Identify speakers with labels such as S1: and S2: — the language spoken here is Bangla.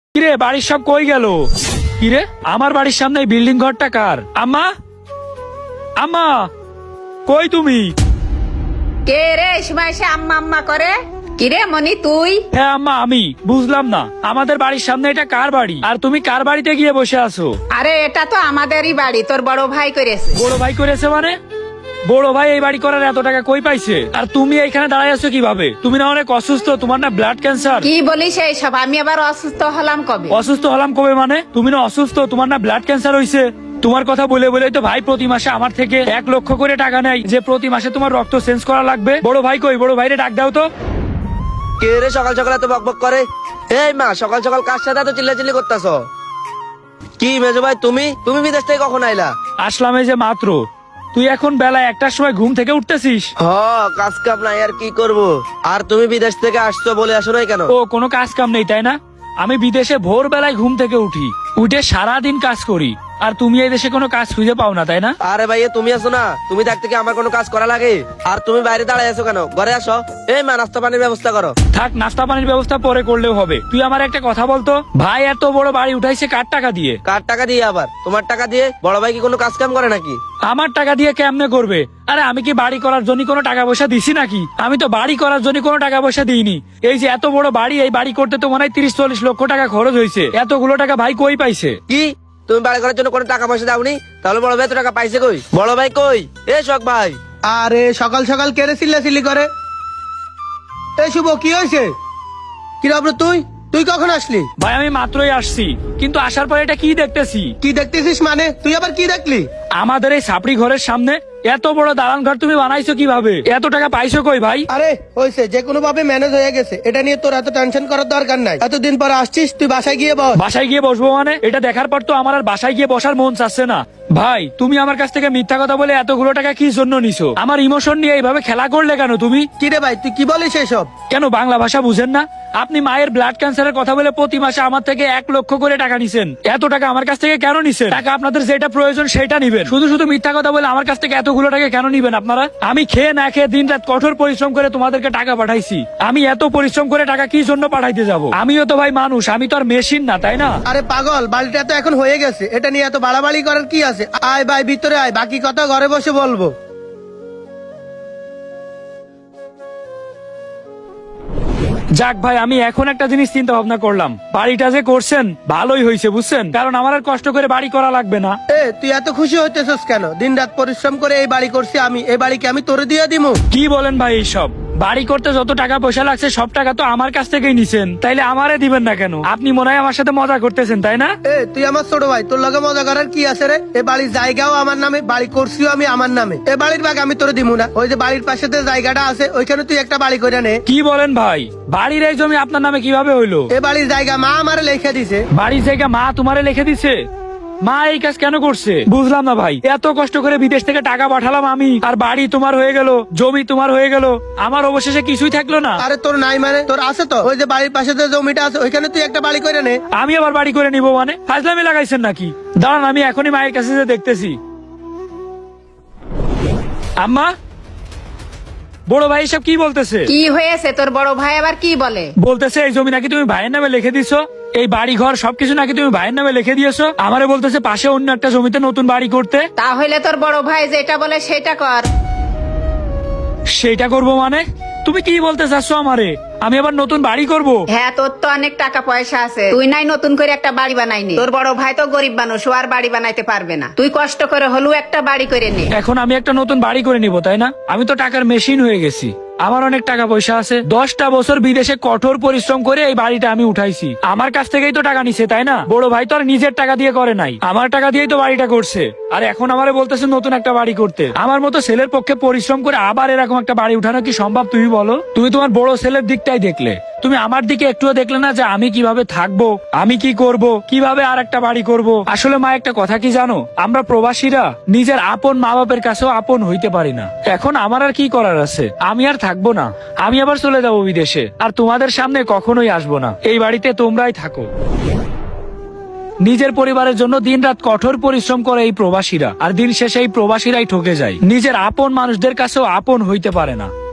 S1: কিরে বাড়ির সব কই গেল? কিরে আমার বাড়ির সামনে এই বিল্ডিং ঘরটা কার? আম্মা, আম্মা কই তুমি?
S2: কে রে এই সময় এসে আম্মা আম্মা করে? কিরে মনি তুই?
S1: হ্যাঁ আম্মা আমি। বুঝলাম না আমাদের বাড়ির সামনে এটা কার বাড়ি আর তুমি কার বাড়িতে গিয়ে বসে আছো?
S2: আরে এটা তো আমাদেরই বাড়ি, তোর বড় ভাই করেছে।
S1: বড় ভাই করেছে মানে? বড় ভাই এই বাড়ি করার এত টাকা কই পাইছে? আর তুমি এইখানে দাঁড়ায় আছো কিভাবে? তুমি না অনেক অসুস্থ, তোমার না ব্লাড ক্যান্সার?
S2: কি বলিস এইসব? আমি আবার অসুস্থ হলাম কবে?
S1: অসুস্থ হলাম কবে মানে? তুমি না অসুস্থ, তোমার না ব্লাড ক্যান্সার হইছে? তোমার কথা বলে বলে তো ভাই প্রতি মাসে আমার থেকে 1 লক্ষ করে টাকা নেয় যে প্রতি মাসে তোমার রক্ত চেঞ্জ করা লাগবে। বড় ভাই কই? বড় ভাইরে ডাক দাও তো।
S3: কে রে সকাল সকাল এত বকবক করে? এই মা, সকাল সকাল কার সাথে এত চিল্লাচিল্লি করতেছ? কি মেজো ভাই, তুমি তুমি বিদেশ থেকে কখন আইলা?
S1: আসলাম এই যে মাত্র। তুই এখন বেলা 1টার সময় ঘুম থেকে উঠতেছিস?
S3: হ, কাজ কাম নাই আর কি করব। আর তুমি বিদেশ থেকে আসছো বলে আসো নাই কেন?
S1: ও কোনো কাজ কাম নেই তাই না? আমি বিদেশে ভোর বেলায় ঘুম থেকে উঠি, উঠে সারাদিন কাজ করি, আর তুমি এই দেশে কোনো কাজ খুঁজে পাও না তাই না?
S3: আরে ভাই, তুমি আছো না, তুমি থাকতে কি আমার কোনো কাজ করা লাগে? আর তুমি বাইরে দাঁড়ায় আছো কেন? ঘরে আসো। এই মা, নাস্তা পানির ব্যবস্থা করো।
S1: থাক, নাস্তা পানির ব্যবস্থা পরে করলেও হবে। তুই আমার একটা কথা বলতো, ভাই এত বড় বাড়ি উঠাইছে কার টাকা দিয়ে?
S3: কার টাকা দিয়ে আবার? তোমার টাকা দিয়ে? বড় ভাই কি কোনো কাজ কাম করে নাকি?
S1: আমার টাকা দিয়ে কেমনে করবে? আরে আমি কি বাড়ি করার জন্য কোনো টাকা পয়সা দিছি নাকি? আমি তো বাড়ি করার জন্য কোনো টাকা পয়সা দিইনি। এই যে এত বড় বাড়ি, এই বাড়ি করতে তো মনে হয় 30-40 লক্ষ টাকা খরচ হয়েছে। এতগুলো টাকা ভাই কই পাইছে?
S3: কি তুমি বাড়ি করার জন্য কোনো টাকা পয়সা দাওনি? তাহলে বড় ভাই এত টাকা পাইছে কই? বড় ভাই কই? এ শখ ভাই।
S4: আরে সকাল সকাল কেড়ে চিল্লাচিল্লি করে? এই শুভ, কি হয়েছে? কি রে অব্র, তুই তুই কখন আসলি?
S1: ভাই আমি মাত্রই আসছি, কিন্তু আসার পরে এটা কি দেখতেছি?
S4: কি দেখতেছিস মানে? তুই আবার কি দেখলি?
S1: আমাদের এই সাপড়ি ঘরের সামনে এত বড় দালান ঘর তুমি বানাইছো কিভাবে? এত টাকা পাইছো কই ভাই?
S4: আরে হয়েছে, যে কোনো ভাবে ম্যানেজ হয়ে গেছে, এটা নিয়ে তোর এত টেনশন করার দরকার নাই। এতদিন পর আসছিস, তুই বাসায় গিয়ে বস।
S1: বাসায় গিয়ে বসবো মানে? এটা দেখার পর তো আমার আর বাসায় গিয়ে বসার মন চাচ্ছে না। ভাই তুমি আমার কাছ থেকে মিথ্যা কথা বলে এতগুলো টাকা কি জন্য নিছো? আমার ইমোশন নিয়ে এইভাবে খেলা করলে কেন তুমি?
S4: কি রে ভাই, তুই কি বলিস এসব?
S1: কেন বাংলা ভাষা বুঝেন না? আপনি মায়ের ব্লাড ক্যান্সারের কথা বলে প্রতি মাসে আমার থেকে 1 লক্ষ করে টাকা নিছেন। এত টাকা আমার কাছ থেকে কেন নিছেন? টাকা আপনাদের যেটা প্রয়োজন সেটা নিবেন, শুধু শুধু মিথ্যা কথা বলে আমার কাছ থেকে এতগুলো টাকা কেন নিবেন আপনারা? আমি খেয়ে না খেয়ে দিন রাত কঠোর পরিশ্রম করে তোমাদেরকে টাকা পাঠাইছি। আমি এত পরিশ্রম করে টাকা কি জন্য পাঠাইতে যাব? আমিও তো ভাই মানুষ, আমি তো আর মেশিন না তাই না?
S4: আরে পাগল, বাড়িটা তো এখন হয়ে গেছে, এটা নিয়ে এত বাড়াবাড়ি করার কি আছে? আয় ভাই ভিতরে আয়, বাকি কথা ঘরে বসে বলবো।
S1: যাক ভাই, আমি এখন একটা জিনিস চিন্তা ভাবনা করলাম, বাড়িটা যে করছেন ভালোই হয়েছে বুঝছেন, কারণ আমার আর কষ্ট করে বাড়ি করা লাগবে না।
S4: তুই এত খুশি হইতেছিস কেন? দিন রাত পরিশ্রম করে এই বাড়ি করছি আমি, এই বাড়িকে আমি তোরে দিয়ে দিমু?
S1: কি বলেন ভাই এইসব? বাড়ি করতে যত টাকা পয়সা লাগছে সব টাকা তো আমার কাছ থেকেই নিছেন, তাইলে আমারে দিবেন না কেন? আপনি মনে হয় আমার সাথে মজা করতেছেন তাই না?
S4: তুই আমার ছোট ভাই, তোর লগে মজা করার কি আছে রে? এ বাড়ির জায়গাও আমার নামে, বাড়ি করছিও আমি আমার নামে। এ বাড়ির ভাগ আমি তোরে দিমু না? ওই যে বাড়ির পাশে যে জায়গাটা আছে, ওইখানে তুই একটা বাড়ি করে নে।
S1: কি বলেন ভাই? বাড়ির এই জমি আপনার নামে কিভাবে হইলো?
S4: এ বাড়ির জায়গা মা আমারে লিখে দিছে।
S1: বাড়ির জায়গা মা তোমারে লিখে দিছে? মা এই কাজ কেন করছে বুঝলাম না ভাই। এত কষ্ট করে বিদেশ থেকে টাকা পাঠালাম আমি, আর বাড়ি তোমার হয়ে গেল, জমি তোমার হয়ে গেল, আমার অবশেষে কিছুই থাকলো না।
S4: আরে তোর নাই মানে? তোর আছে তো, ওই যে বাড়ির পাশে যে জমিটা আছে, ওইখানে তুই একটা বাড়ি করে নে।
S1: আমি আবার বাড়ি করে নিব মানে? ফাজলামি লাগাইছেন নাকি? দাঁড়ান, আমি এখনই মায়ের কাছে যে দেখতেছি। আম্মা, বড় ভাই সব কি বলতেছে?
S2: কি হয়েছে? তোর বড় ভাই আবার কি বলে?
S1: বলতেছে এই জমি নাকি তুমি ভাইয়ের নামে লিখে দিছো, এই বাড়ি ঘর সবকিছু নাকি তুমি ভাইয়ের নামে লিখে দিয়েছো। আমারে বলতেছে পাশে অন্য একটা জমিতে নতুন বাড়ি করতে।
S2: তাহলে তোর বড় ভাই যেটা বলে সেটা কর।
S1: সেটা করবো মানে? তুমি কি বলতে চাচ্ছো আমারে? আমি আবার নতুন বাড়ি করব?
S2: হ্যাঁ, তোর তো অনেক টাকা পয়সা আছে, তুই নাই নতুন করে একটা বাড়ি বানাইনি। তোর বড় ভাই তো গরিব মানুষ, ও আর বাড়ি বানাইতে পারবে না। তুই কষ্ট করে হলেও একটা বাড়ি করে নে।
S1: এখন আমি একটা নতুন বাড়ি করে নিব তাই না? আমি তো টাকার মেশিন হয়ে গেছি, আমার অনেক টাকা পয়সা আছে। 10টা বছর বিদেশে কঠোর পরিশ্রম করে এই বাড়িটা আমি উঠাইছি, আমার কাছ থেকেই তো টাকা নিছে তাই না? বড় ভাই তো আর নিজের টাকা দিয়ে করে নাই, আমার টাকা দিয়েই তো বাড়িটা করছে। আর এখন আমারে বলতেছে নতুন একটা বাড়ি করতে। আমার মতো ছেলের পক্ষে পরিশ্রম করে আবার এরকম একটা বাড়ি উঠানো কি সম্ভব তুমি বলো? তুমি তোমার বড় ছেলের দিকটাই দেখলে, তুমি আমার দিকে একটুও দেখলে না যে আমি কিভাবে থাকবো, আমি কি করব, কিভাবে আর একটা বাড়ি করব। আসলে মা একটা কথা কি জানো, আমরা প্রবাসীরা নিজের আপন মা বাপের কাছেও আপন হইতে পারি না। এখন আমার আর কি করার আছে? আমি আর থাকবো না, আমি আবার চলে যাবো বিদেশে, আর তোমাদের সামনে কখনোই আসবো না। এই বাড়িতে তোমরাই থাকো। নিজের পরিবারের জন্য দিনরাত কঠোর পরিশ্রম করে এই প্রবাসীরা, আর দিন শেষে এই প্রবাসীরাই ঠকে যায়, নিজের আপন মানুষদের কাছেও আপন হইতে পারে না।